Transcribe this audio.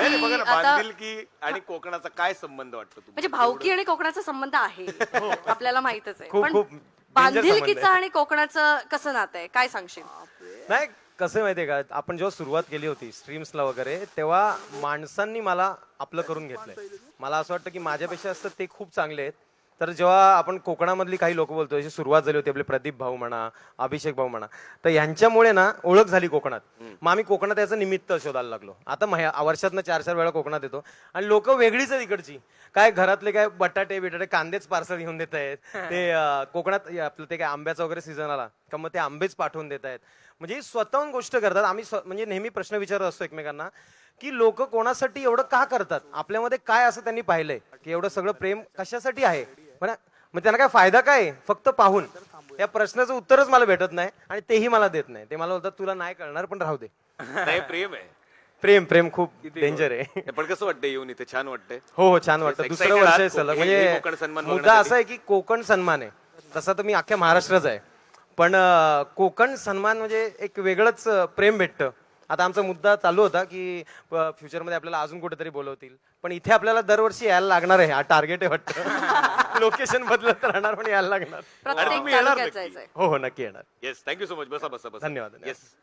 नाही, बघा ना, आता बांधिलकी आणि कोकणाचा काय संबंध वाटतो तुम्हाला? म्हणजे भावकी आणि कोकणाचा संबंध आहे आपल्याला माहितच आहे खूप- पण खूप danger संबंध बांधिलकीचं आहे. आणि कोकणाचं कसं नातं आहे काय सांगशील नाही कसं माहितीये का आपण जेव्हा सुरुवात केली होती स्ट्रीम्सला वगैरे तेव्हा माणसांनी मला आपलं करून घेतलंय. मला असं वाटतं की माझ्यापेक्षा असतं ते खूप चांगले आहेत. तर जेव्हा आपण कोकणामधली काही लोक बोलतो जशी सुरुवात झाली होती आपले प्रदीप भाऊ म्हणा अभिषेक भाऊ म्हणा तर यांच्यामुळे ना ओळख झाली कोकणात. मग आम्ही कोकणात याचं निमित्त शोधायला लागलो. आता वर्षातनं 4-4 वेळा कोकणात येतो आणि लोक वेगळीच आहेत इकडची. काय घरातले काय बटाटे बिटाटे कांदेच पार्सल घेऊन देत आहेत ते कोकणात आपलं ते काय आंब्याचा वगैरे सीझन आला का मग ते आंबेच पाठवून देत आहेत. म्हणजे स्वतःहून गोष्ट करतात. आम्ही म्हणजे नेहमी प्रश्न विचारत असतो एकमेकांना की लोक कोणासाठी एवढं का करतात आपल्यामध्ये काय असं त्यांनी पाहिलंय की एवढं सगळं प्रेम कशासाठी आहे मग त्यांना काय फायदा काय फक्त पाहून या प्रश्नाचं उत्तरच मला भेटत नाही आणि तेही मला देत नाही. ते मला बोलतात तुला नाही कळणार पण राहू दे. नाही, प्रेम आहे. प्रेम प्रेम खूप डेंजर आहे. हे पण कसं वाटतं येऊन इथे? छान वाटतंय. हो हो छान वाटतं. Excited दुसरं वर्ष आहे आहात सलग हे कोकण म्हणजे सन्मान मुद्दा बघण्यासाठी? असा आहे की कोकण सन्मान आहे. तसा तर मी अख्ख्या महाराष्ट्राच आहे पण कोकण सन्मान म्हणजे एक वेगळंच प्रेम भेटतं. आता आमचा मुद्दा चालू होता की फ्युचरमध्ये आपल्याला अजून कुठेतरी बोलवतील पण इथे आपल्याला दरवर्षी यायला लागणार आहे. हा टार्गेट आहे वाटतं. लोकेशन बदलत राहणार पण यायला लागणार. आणि प्रत्येक तुम्ही येणार तालुक्यात नक्की. जायचंय हो हो नक्की येणार. Yes, thank you so much. बसा बसा बसा. धन्यवाद. येस.